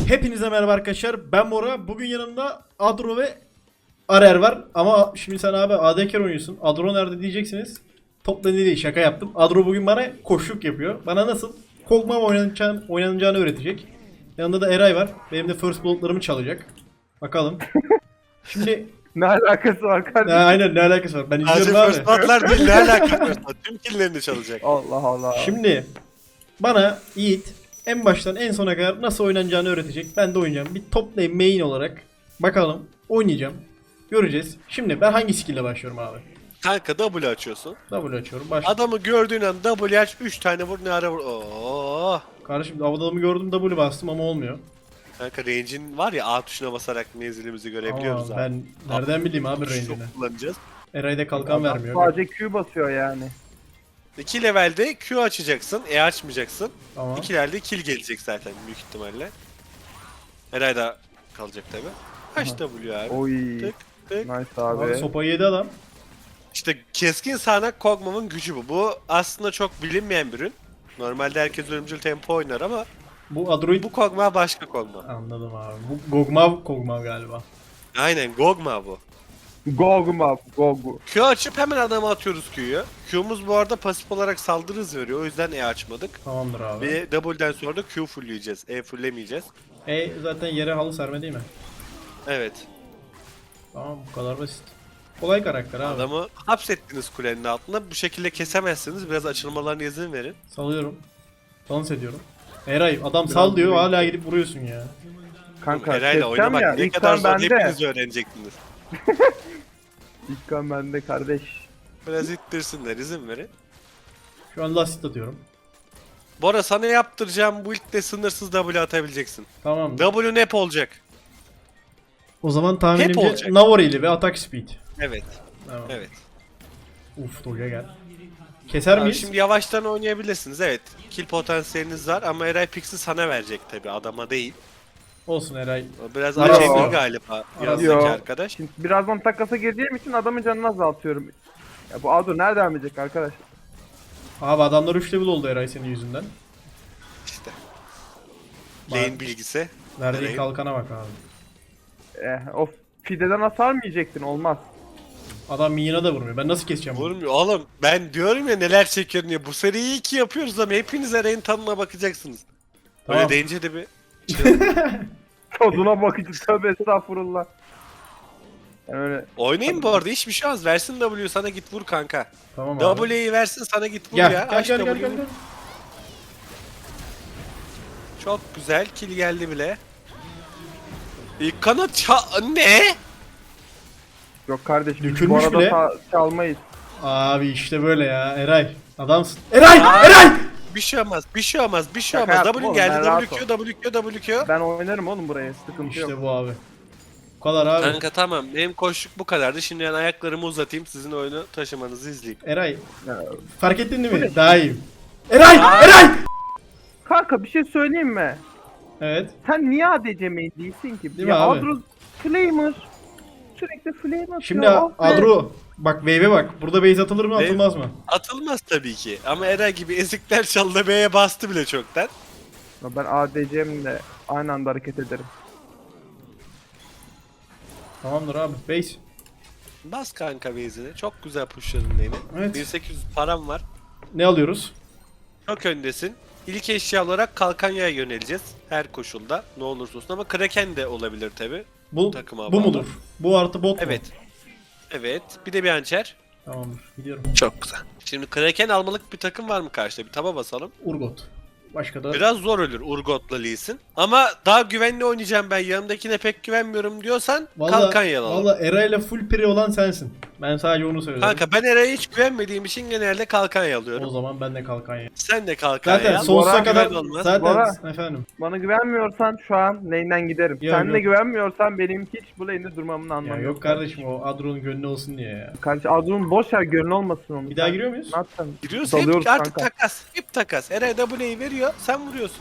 Hepinize merhaba arkadaşlar. Ben Bora. Bugün yanımda Adro ve Arer var. Ama şimdi sen abi AD carry oynuyorsun. Adro nerede diyeceksiniz. Top lane'de değil, şaka yaptım. Adro bugün bana koşluk yapıyor. Bana nasıl Kog'Maw oynanacağını öğretecek. Yanında da Eray var. Benim de first blood'larımı çalacak. Bakalım. Şimdi Ne alakası var kardeşim? aynen ne alakası var? Ben Sadece izliyorum first abi. blood'lar değil, ne alakası var? Tüm killerini çalacak. Allah Allah. Şimdi bana Yiğit en baştan en sona kadar nasıl oynanacağını öğretecek. Ben de oynayacağım. Bir top lane main olarak bakalım oynayacağım. Göreceğiz. Şimdi ben hangi skill ile başlıyorum abi? Kanka W açıyorsun. W açıyorum. Baş. Adamı gördüğün an W aç, 3 tane vur, ne ara vur. Oo. Kardeşim adamı gördüm W bastım ama olmuyor. Kanka range'in var ya, A tuşuna basarak menzilimizi görebiliyoruz Ama abi. ben nereden bileyim abi range'ini. Çok kullanacağız. Eray'da kalkan Adam vermiyor. Sadece Q basıyor yani. 2 levelde Q açacaksın, E açmayacaksın. Tamam. 2 levelde kill gelecek zaten büyük ihtimalle. Eray da kalacak tabi. Kaç W abi? Oy. Tık tık. Nice Abi abi. sopayı yedi adam. İşte keskin sağanak Kog'Maw'ın gücü bu. Bu aslında çok bilinmeyen bir ürün. Normalde herkes ölümcül tempo oynar ama Bu Adro'yu... bu Kog'Maw başka Kog'Maw. Anladım abi. Bu Kog'Maw galiba. Aynen Kog'Maw bu. Gogu. Gogu. Q açıp hemen adama atıyoruz Q'yu. Q'muz bu arada pasif olarak saldırı hızı veriyor. O yüzden E açmadık. Tamamdır abi. Ve W'den sonra da Q fullleyeceğiz. E fulllemeyeceğiz. Zaten yere halı serme değil mi? Evet. Tamam bu kadar basit. Kolay karakter abi. Adamı hapsettiniz kulenin altında. Bu şekilde kesemezsiniz. Biraz açılmalarına izin verin. Salıyorum. Dans ediyorum. Eray adam sal diyor hala gidip vuruyorsun ya. Kanka Herayla keseceğim oynamak ya. ne İlk kadar kan zor bende. hepiniz öğrenecektiniz. İlk kan bende kardeş. Biraz ittirsinler, izin verin. Şu an lastik atıyorum. Bora sana yaptıracağım bu ilkte sınırsız W atabileceksin. Tamam. W hep olacak. O zaman Hep tahminimce olacak. Navorili ve atak speed. Evet. Tamam. Evet. Uf Doge gel. Keser Abi miyiz? şimdi yavaştan oynayabilirsiniz. Evet. Kill potansiyeliniz var ama Eray Pix'i sana verecek tabi, adama değil. Olsun Eray. O biraz Yo. acemi galiba yazdaki Yo. arkadaş. Şimdi birazdan takasa gireceğim için adamın canını azaltıyorum. Ya bu Ado nereden bilecek arkadaş? Abi adamlar 3 level oldu Eray senin yüzünden. İşte. Bak. Lane bilgisi. Verdiği Eray'ın. kalkana bak abi. O fideden hasar mı yiyecektin? Olmaz. Adam minyona da vurmuyor. Ben nasıl keseceğim bunu? Vurmuyor. Oğlum ben diyorum ya neler çekiyorum ya. Bu seriyi 2 yapıyoruz ama hepiniz Eray'ın tadına bakacaksınız. Öyle Tamam. deyince de bir Tadına bakıcı tövbe estağfurullah. Yani öyle oynayın bu arada, hiçbir şey olmaz. Versin W'yu sana, git vur kanka. Tamam abi. W'yi versin sana, git vur Gel, ya. gel, Aç gel, gel, W'yu gel, vur. gel. Çok güzel, kill geldi bile. İlk kanat ne? yok kardeşim. Biz bu Dökülmüş arada bile. çalmayız. Abi işte böyle ya Eray. Adamsın. Eray! Eray! Bir şey olmaz, bir şey olmaz, bir şey Şaka olmaz. yaptım W oğlum, geldi, ben rahat WQ. Ben oynarım oğlum buraya. Sıkıntı yok. İşte bu abi. Bu kadar abi. Kanka tamam, benim koşluk bu kadardı. Şimdi ben ayaklarımı uzatayım, sizin oyunu taşımanızı izleyeyim. Eray Ya, fark ettin değil mi? Daha iyiyim. Eray! Eray! kanka bir şey söyleyeyim mi? Evet. Sen niye ADC main değilsin ki? Değil ya mi abi? Adro Flamer. Sürekli Flamer atıyor. Şimdi ah be. Adro bak wave'e bak. Burada base atılır mı Wave- atılmaz mı? Atılmaz tabii ki. Ama Eray gibi ezikler çaldı, B'ye bastı bile çoktan. Ya ben ADC'mle aynı anda hareket ederim. Tamamdır abi. Base. Bas kanka base'ini. Çok güzel pushladın lane'i. Evet. 1800 param var. Ne alıyoruz? Çok öndesin. İlk eşya olarak kalkanyaya yöneleceğiz. Her koşulda. Ne olursa olsun ama Kraken de olabilir tabi. Bu Takıma bu bağlı. mudur? Bu artı bot mu? Evet. Evet. Bir de bir hançer. Tamamdır. Gidiyorum. Çok güzel. Şimdi Kraken almalık bir takım var mı karşıda? Bir taba basalım. Urgot. Başka da Biraz zor ölür Urgot'la Lee Sin. Ama daha güvenli oynayacağım ben, yanımdakine pek güvenmiyorum diyorsan Kalkanya alalım. Valla Eray'la full pre olan sensin. Ben sadece onu söylüyorum. Kanka ben Eray'a hiç güvenmediğim için genelde Kalkanya O alıyorum. zaman ben de kalkanya. Sen de Kalkanya Zaten al. sonsuza Bora kadar güven olmaz. zaten Bora. efendim. Bana güvenmiyorsan şu an lane'den giderim. Yok, Sen de yok. güvenmiyorsan benim hiç bu lane'de durmamın Ya anlamı yok kardeşim o Adro'nun gönlü olsun diye ya. Kardeş Adro'nun boş ver gönlü olmasın onun. Bir daha giriyor muyuz? Ne yapacaksın? Giriyoruz Dalıyoruz hep artık kanka. takas. Hep takas. Eray W'yi veriyor, sen vuruyorsun.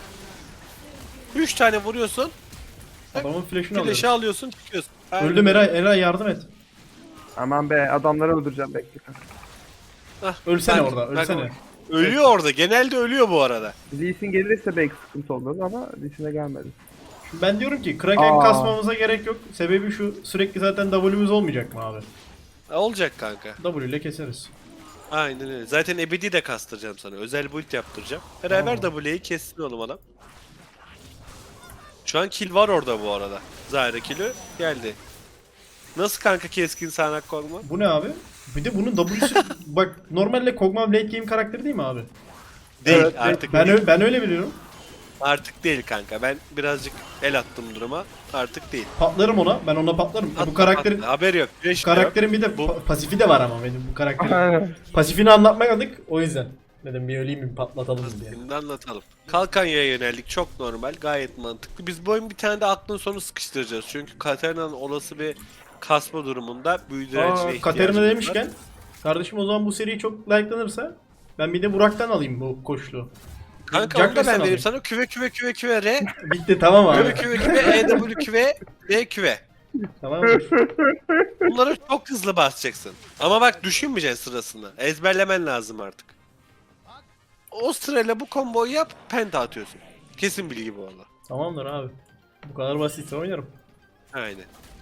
3 tane vuruyorsun, Adamın flash'ını flash'ı alıyoruz. alıyorsun, çıkıyorsun. Aynen. Öldüm Eray. Eray yardım et. Aman be adamları öldüreceğim bekle. Hah, Ölsene bak, orada. bak, Ölsene. Ölüyor orada. Genelde ölüyor bu arada. Lee Sin gelirse belki sıkıntı olur ama Lee Sin'e gelmedi. Ben diyorum ki Kraken Aa. kasmamıza gerek yok. Sebebi şu, sürekli zaten W'muz olmayacak mı abi? Olacak kanka. W ile keseriz. Aynen öyle. Zaten ebedi de kastıracağım sana. Özel build yaptıracağım. Beraber Tamam. W'yi kessin oğlum adam. Şu an kill var orada bu arada. Zahra kill'i geldi. Nasıl kanka keskin sağanak korkma? Bu ne abi? Bir de bunun W'su bak normalde Kog'Maw late game karakteri değil mi abi? Değil Evet, artık Ben değil. ben öyle biliyorum. Artık değil kanka. Ben birazcık el attım duruma. Artık değil. Patlarım ona. Ben ona patlarım. Bu Atla, karakterin atla. Haberi yok. Güneş de yok. karakterin bir de Bu- pasifi de var ama benim bu karakterin. Aynen. Pasifini anlatmadık o yüzden. Dedim bir öleyim bir patlatalım diye. Şimdi anlatalım. Kalkanya'ya yöneldik. Çok normal. Gayet mantıklı. Biz bu oyun bir tane de aklın sonu sıkıştıracağız. Çünkü Katarina'nın olası bir kasma durumunda büyü direncine ihtiyacımız Katerina var. demişken kardeşim o zaman bu seri çok like'lanırsa ben bir de Burak'tan alayım bu koçluğu. Kanka Jack onu da ben West'ten vereyim alayım. sana. Küve küve küve küve R. Bitti tamam abi. Küve küve küve EW küve D küve. Tamamdır. Bunları çok hızlı basacaksın. Ama bak düşünmeyeceksin sırasında. Ezberlemen lazım artık. O sırayla bu komboyu yap, penta atıyorsun. Kesin bilgi bu valla. Tamamdır abi. Bu kadar basitse oynarım. Aynen.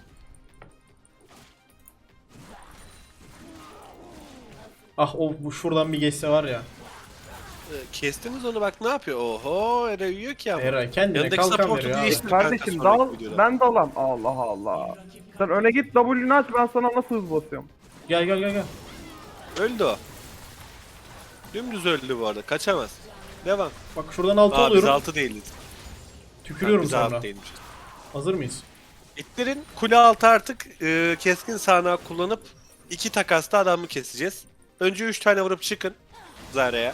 Ah o bu şuradan bir geçse var ya. Kestiniz onu bak ne yapıyor? Oho Ere uyuyor ki ama. Eray kendine Yanındaki kalkan support'u veriyor abi. değiştir. Kardeşim Kanka, dal, sonraki videoda. ben dalam. Allah Allah. Sen öne git W'ni aç, ben sana nasıl hız basıyorum. Gel gel gel gel. Öldü o. Dümdüz öldü bu arada. Kaçamaz. Devam. Bak şuradan altı Aa biz alıyorum. 6 değiliz. Tükürüyorum Biz sonra. 6 değilmişiz. Hazır mıyız? İtlerin kule altı artık keskin sağanağı kullanıp 2 takasta adamı keseceğiz. Önce 3 tane vurup çıkın Zara'ya.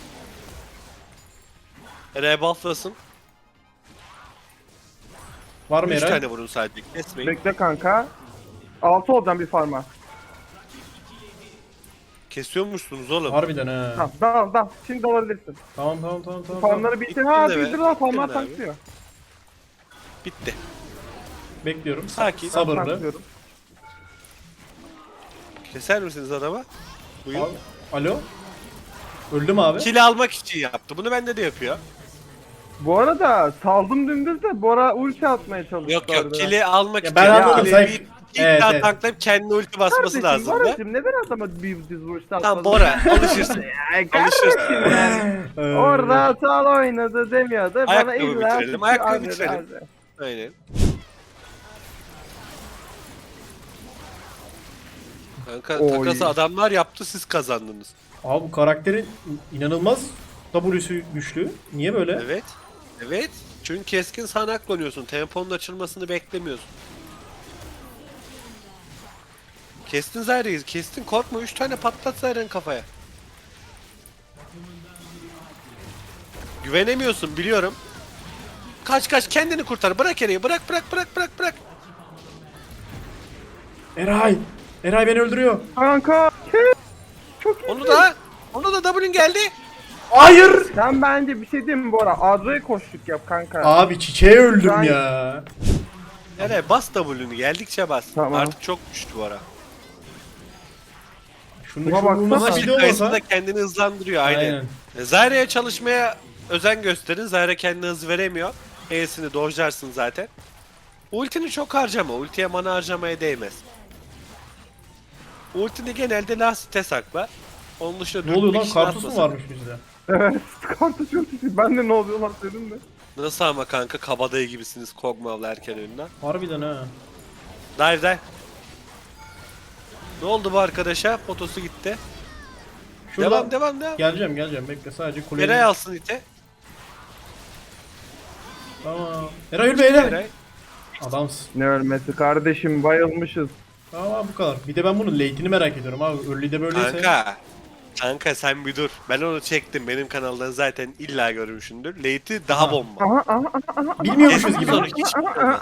Eray bufflasın. Var mı 3 Eray? tane vurun sadece. Kesmeyin. Bekle kanka. 6 olacağım bir farma. Kesiyormuşsunuz oğlum. Harbiden he. Tamam dal. Şimdi dalabilirsin. Tamam tamam tamam tamam. Farmları bitti. Bitti Ha de be. bildir lan, farmlar Bitti de abi. tanklıyor. Bitti. Bekliyorum. Sakin. Sabırlı. Tanklıyorum. Keser misiniz adama? Buyur. Abi, alo? Öldüm abi. Kili almak için yaptı. Bunu bende de yapıyor. Bu arada saldım dümdüz de Bora ulti atmaya çalıştı. Yok yok harbiden. kili almak Ya için. ben anladım, Kili sen- bir Evet, daha evet. tanklayıp kendine ulti basması Kardeşim, lazım. Boracığım neden adama bir diz ulti atmadın? Tamam Bora alışırsın. Ay kardeşim yani. Orada sal oynadı demiyordu. Bana Ayakkabı illa bitirelim, ayakkabı Hadi, bitirelim. hadi. Aynen. Kanka Oy. takası adamlar yaptı siz kazandınız. Abi bu karakterin inanılmaz W'su güçlü. Niye böyle? Evet. Evet. Çünkü keskin sağanak kullanıyorsun. Temponun açılmasını beklemiyorsun. Kestin Zaire'yi. Kestin korkma. 3 tane patlat Zaire'nin kafaya. Güvenemiyorsun biliyorum. Kaç kaç kendini kurtar. Bırak Ereği. Bırak bırak bırak bırak bırak. Eray! Eray beni öldürüyor. Kanka. Çok iyi. Onu da W'nin geldi. Hayır! Sen bence bir şey diyeyim mi Bora? Adro'ya koştuk yap kanka. Abi çiçeğe öldüm Ben- ya. Ereği bas W'nü. Geldikçe bas. Tamam. Artık çok güçlü bu ara. Şunu Buna şu baksana. nasıl Ama video kayısı olmasa. da kendini hızlandırıyor aynen. Aynen. Zaire'ye çalışmaya özen gösterin. Zaire kendine hız veremiyor. E'sini dojlarsın zaten. Ultini çok harcama. Ultiye mana harcamaya değmez. Ultini genelde lastikte sakla. Onun dışında Ne oluyor lan? dürtmek Kartusu için mu atmasın. varmış bizde? Evet. Kartı çok iyi. Ben de ne oluyor lan dedim de. Nasıl ama kanka kabadayı gibisiniz Kog'Maw'la erken önünden. Harbiden ha. Dive. Ne oldu bu arkadaşa? Fotosu gitti. Şuradan Devam. geleceğim bekle sadece kuleyi. Eray alsın ite. Tamam. Eray ölme Eray. Eray. Adamsın. Ne ölmesi kardeşim, bayılmışız. Tamam abi bu kadar. Bir de ben bunun late'ini merak ediyorum abi. Early'de böyleyse. Kanka sen bir dur. Ben onu çektim. Benim kanaldan zaten illa görmüşsündür. Late'i daha Aha. bomba. Aha. Bilmiyormuşuz Kestim gibi. sonra hiç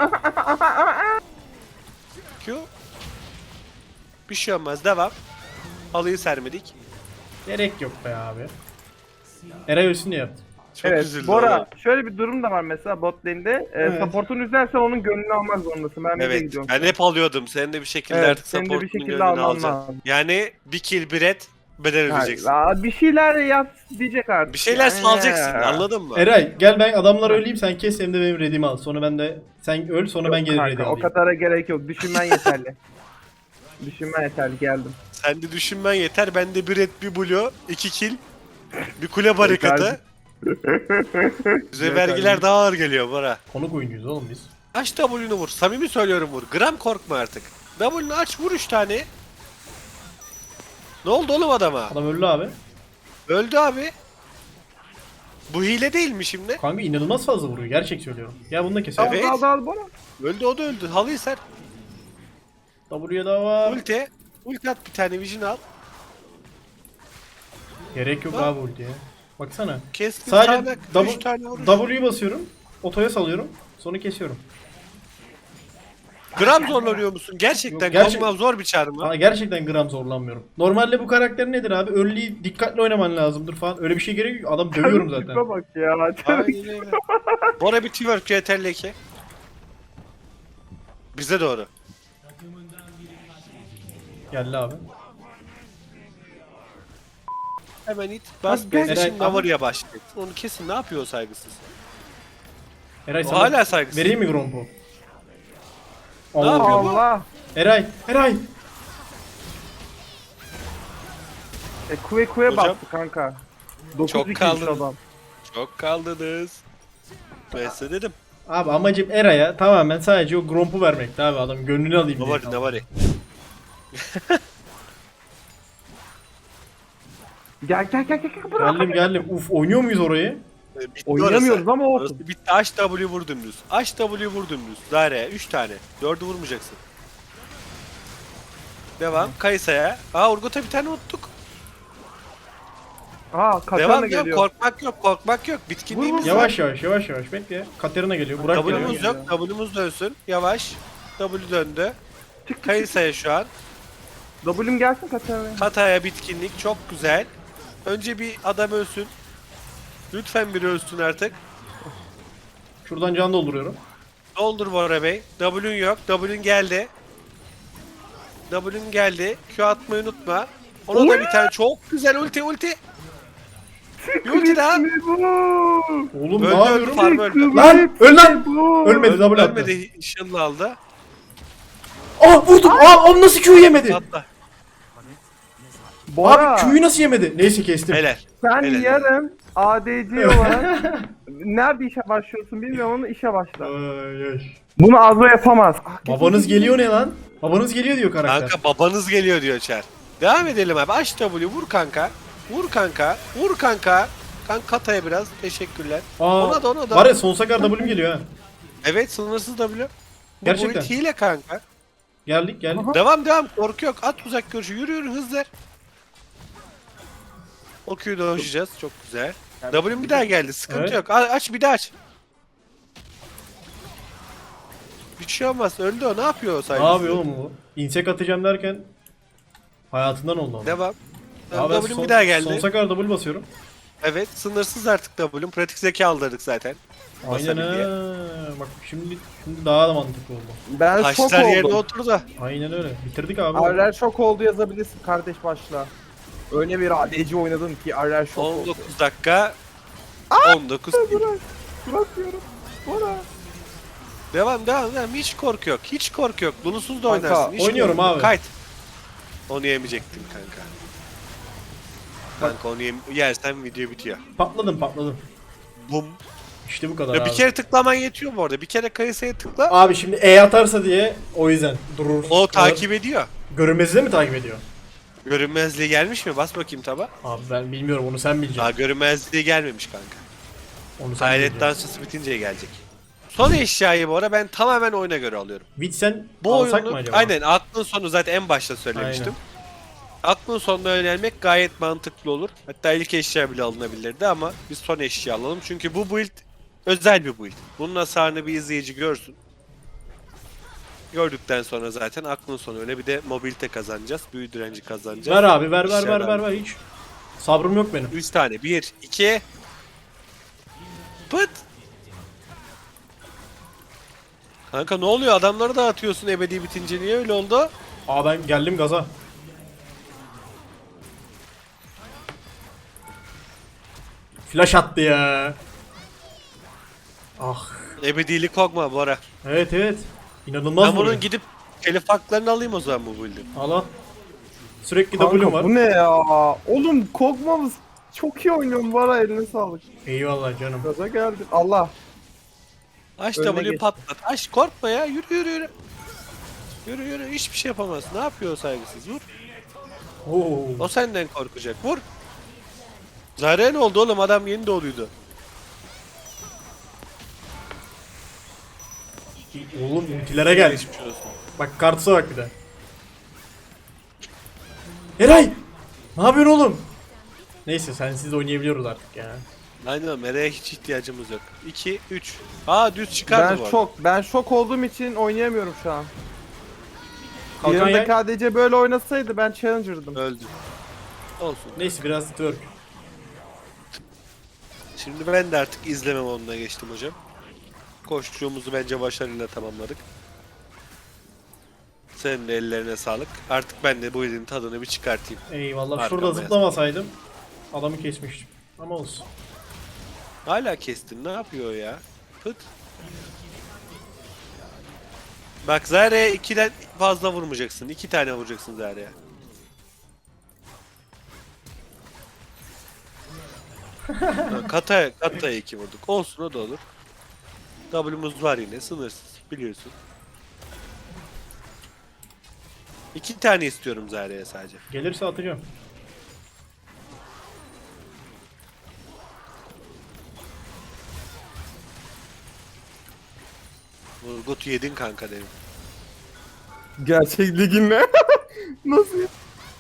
Q. Bir şey olmaz. Devam. Halıyı sermedik. Gerek yok be abi. Eray ölsün diye yaptım. Çok Evet üzüldüm. Bora, oğlum. şöyle bir durum da var mesela bot lane'de. Evet. Support'un üzerse onun gönlünü almak zorundasın. Ben de Evet. gidiyorum. Ben hep alıyordum. Sen de bir şekilde Evet, artık senin de bir support'un şekilde gönlünü alman alacaksın. lazım. Yani bir kill bir red bedel ödeyeceksin. Bir şeyler yap diyecek artık. Bir şeyler Yani. salacaksın, anladın mı? Eray gel ben adamları öleyim sen kes hem de benim redimi al. Sonra ben de sen öl sonra ben gelir Kanka, redi o alayım. kadara gerek yok. Düşünmen yeterli. Düşünmen yeterli, geldim. Sen de düşünmen yeter. Ben de bir red, bir blue, 2 kill, bir kule barikatı. Bize vergiler daha ağır geliyor Bora. Konuk oyuncuyuz oğlum biz. Aç W'nu vur. Samimi söylüyorum vur. Gram korkma artık. W'nu aç vur 3 tane. Ne oldu oğlum adama? Adam öldü abi. Öldü abi. Bu hile değil mi şimdi? Kanka inanılmaz fazla vuruyor gerçek söylüyorum. Ya bunu da keselim. Evet. Al Bora. Öldü o da öldü. Halıyı ser. W'ye daha var. Ulti. Ulti at bir tane vision al. Gerek yok Lan. abi ultiye. Baksana. Keskin Sadece sağanak 3 tane vurur. W'yu basıyorum. Otoya salıyorum. Sonra kesiyorum. Gram zorlanıyor musun? Gerçekten Yok, gerçek- Kozmav zor bir çağrı mı? Aa, gerçekten gram zorlanmıyorum. Normalde bu karakter nedir abi? Early'yi dikkatli oynaman lazımdır falan. Öyle bir şey gerek yok. Adam dövüyorum zaten. Tipe bak ya. Aynen öyle. Bora bir twerk CTRL 2. Bize doğru. Geldi abi. Hemen it. Bas Abi, beni Eray, şimdi ama- Navarı'ya başlayacak. Onu kesin ne yapıyor o saygısız? Eray O sana hala saygısız. vereyim mi Grompo? Ne Allah. yapıyor bu? Allah. Eray, Eray. Kuve Hocam. bastı kanka. 9 Çok 2 kaldın. adam. Çok kaldınız. Ben size dedim. Abi amacım Eray'a tamamen sadece o Gromp'u vermekti abi. Adam gönlünü alayım diye. Navari Navari. Gel bırak. Geldim. Uf oynuyor muyuz orayı? Bitti Oynayamıyoruz orası. ama olsun. Orası bitti. Aç W vur dümdüz. Aç W vur dümdüz. Daireye 3 tane. 4'ü vurmayacaksın. Devam. Kayısa'ya. Aa Urgot'a bir tane unuttuk. Katarina Devam geliyor. yok. Korkmak yok. Bitkinliğimiz var. Yavaş bekle. Katerina geliyor. Burak geliyor. W'muz yok. W'muz dönsün. Yavaş. W döndü. Kayısa'ya şu an. W'm gelsin Katarina. Kataya bitkinlik. Çok güzel. Önce bir adam ölsün. Lütfen biri ölsün artık. Şuradan can dolduruyorum. Doldur Bora Bey. W'un yok. W'un geldi. W'un geldi. Q atmayı unutma. Ona da bir tane çok güzel ulti. Bir ulti daha. Oğlum Öldü, ne yapıyorum? farm öldü. Lan öl lan. Ölmedi double attı. Ölmedi. Işınla aldı. Vurdum. Onu nasıl Q'yu yemedi? Atla. Bora, Abi Q'yu nasıl yemedi? Neyse kestim. Helal. sen helal. yarın ADC olarak nerede işe başlıyorsun bilmiyorum ama işe başla. Ay, ay. Bunu Azra yapamaz. Babanız geliyor ne lan? Babanız geliyor diyor karakter. Kanka babanız geliyor diyor Çer. Devam edelim abi. Aç W vur kanka. Vur kanka. Kanka Kataya biraz. Teşekkürler. Ona da. Var ya sonsuza kadar W'm geliyor ha. Evet sınırsız W. Bu Gerçekten. build hile kanka. Geldik. Devam. Korku yok. At uzak görüşü. Yürü hızlı. O Q'yu dojlayacağız. Çok güzel. W'm bir daha geldi. Sıkıntı Evet. yok. Aç bir daha aç. Bir şey olmaz. Öldü o. Ne yapıyor o Ne saygısız? yapıyor oğlum bu? İnsek atacağım derken hayatından oldu ama. Devam. Abi ben W'm bir daha geldi. Sonsuza kadar double basıyorum. Evet. Sınırsız artık W'm. Pratik zeka aldırdık zaten. Aynen Basabil diye. Bak şimdi daha da mantıklı oldu. Ben şok Taşlar yerine oldum. oturdu. Aynen öyle. Bitirdik abi. Arler şok oldu yazabilirsin kardeş başla. Öyle bir ADC oynadım ki Arler şok oldu. 19 dakika. 19 Bırakıyorum. Bora. Devam. Hiç korku yok. Lulusuz da Kanka, oynarsın. Hiç oynuyorum korku yok. abi. Kayıt. Onu yemeyecektin kanka. Kanka onu yersen video bitiyor. Patladım. Bum. İşte bu kadar Ya abi. bir kere tıklaman yetiyor bu arada. Bir kere kayısıya tıkla. Abi şimdi E atarsa diye o yüzden durur. O takip ediyor. Görünmezliği mi takip ediyor? Görünmezliği gelmiş mi? Bas bakayım taba. Abi ben bilmiyorum onu sen Daha bileceksin. görünmezliği gelmemiş kanka. Onu sen Hayalet bileceksin. dansçısı bitince gelecek. Son eşyayı bu ara ben tamamen oyuna göre alıyorum. Witsen Bu alsak oyunu mı acaba? aynen aklın sonu zaten en başta söylemiştim. Aklın sonuna yönelmek gayet mantıklı olur. Hatta ilk eşya bile alınabilirdi ama biz son eşya alalım. Çünkü bu build özel bir build. Bunun hasarını bir izleyici görsün. Gördükten sonra zaten aklın sonu öyle bir de mobilite kazanacağız. Büyü direnci kazanacağız. Ver abi ver Eşyadan. hiç. Sabrım yok benim. 3 tane. 1, 2. Pıt. Kanka ne oluyor? Adamları da atıyorsun ebedi bitince. Niye öyle oldu? Aa ben geldim gaza. Flash attı ya. Ah. Ebedilik korkma Bora. Evet evet. İnanılmaz Ben bunun vuruyor. gidip telif haklarını alayım o zaman bu build'in. Al al. Sürekli Kanka W'm var. bu ne ya? Oğlum korkmamız çok iyi oynuyorum var ha, eline sağlık. Eyvallah canım. Gaza geldin. Allah. Aç Önüne W geç. patlat. Aç korkma ya. Yürü yürü yürü. Yürü yürü. Hiçbir şey yapamaz. Ne yapıyor o saygısız? Vur. Oo. O senden korkacak. Vur. Zarya ne oldu oğlum? Adam yeni doğduydu. Oğlum ultilere gel. Geçmiş olsun. Bak kartısa bak bir de. Eray! Ne yapıyorsun oğlum? Neyse sensiz oynayabiliyoruz artık ya. Aynen Mera'ya hiç ihtiyacımız yok. 2, 3. Aa düz çıkardı bu arada. Ben şok olduğum için oynayamıyorum şu an. Kalkan Yanımdaki yay. ADC böyle oynasaydı ben challenger'dım. Öldü. Olsun. Neyse biraz twerk. Şimdi ben de artık izleme moduna geçtim hocam. Koştuğumuzu bence başarıyla tamamladık. Senin de ellerine sağlık. Artık ben de bu ilin tadını bir çıkartayım. Eyvallah. Arkama Şurada yaz. zıplamasaydım adamı kesmiştim. Ama olsun. Hala kestin. Ne yapıyor ya? Pıt. Bak Zarya'ya 2'den fazla vurmayacaksın. 2 tane vuracaksın Zarya'ya. Kata'ya 2 vurduk. Olsun o da olur. W'muz var yine sınırsız biliyorsun. 2 tane istiyorum Zarya'ya sadece. Gelirse atacağım. Vurgut'u yedin kanka derim. Gerçek ligin ne? Nasıl ya?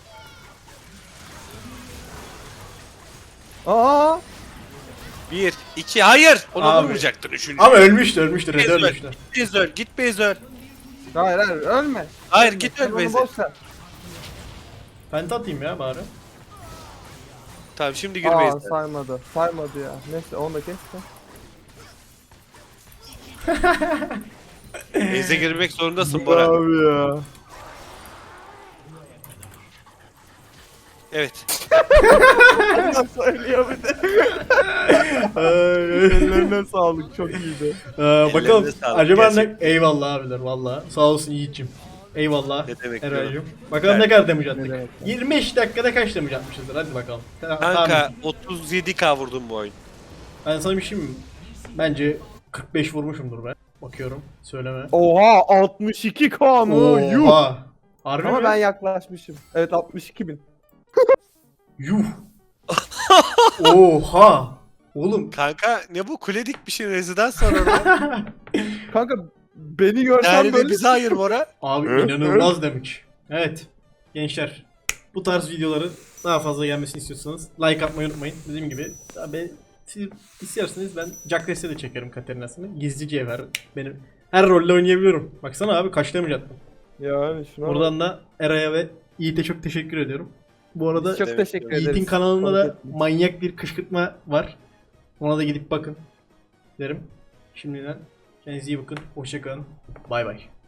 Aa! 1, 2, hayır! Ona Abi. vurmayacaktın üçüncü. Ama ölmüştü. Red ölmüştü. Git Bezör. Hayır ölme. Hayır Ölme, git sen öl onu Bezör. boş ver. Penta atayım ya bari. Tamam şimdi gir Aa Bezör. saymadı. Saymadı ya. Neyse onu da kes de. Beyze girmek zorundasın Bora. Abi ya. Evet. Söylüyor bir de. Ay. Ellerine sağlık çok iyiydi. Bakalım sağlık, acaba ne... gerçekten. Eyvallah abiler valla. Sağ olsun Yiğit'cim. Eyvallah Ne demek Eray'cım. Bakalım Evet. ne kadar damage Ne attık. demek 25 dakikada kaç damage atmışızdır hadi bakalım. Kanka Tahmin. 37k vurdum bu oyun. Ben sana bir şey mi? Bence 45 vurmuşumdur ben. Bakıyorum. Söyleme. Oha 62k mı? Yuh. Oha. Harbi Ama mi? ben yaklaşmışım. Evet 62.000. Yuh. Oha. Oğlum. Kanka ne bu kule dikmişin rezidans sonra orada. Kanka beni görsen Yani böyle bize hayır Bora. Abi inanılmaz damage. Evet. Gençler. Bu tarz videoların daha fazla gelmesini istiyorsanız like atmayı unutmayın. Dediğim gibi abi siz isterseniz ben Jack Dest'e de çekerim Katarina'sını. Gizli cevher. Benim her rolle oynayabiliyorum. Baksana abi kaç damage attım. Yani şuna bak. Buradan da Eray'a ve Yiğit'e çok teşekkür ediyorum. Bu arada Biz çok Demek teşekkür ki- ederiz. Yiğit'in kanalında da Fark ettim. manyak bir kışkırtma var. Ona da gidip bakın derim. Şimdiden kendinize iyi bakın. Hoşça kalın. Bay bay.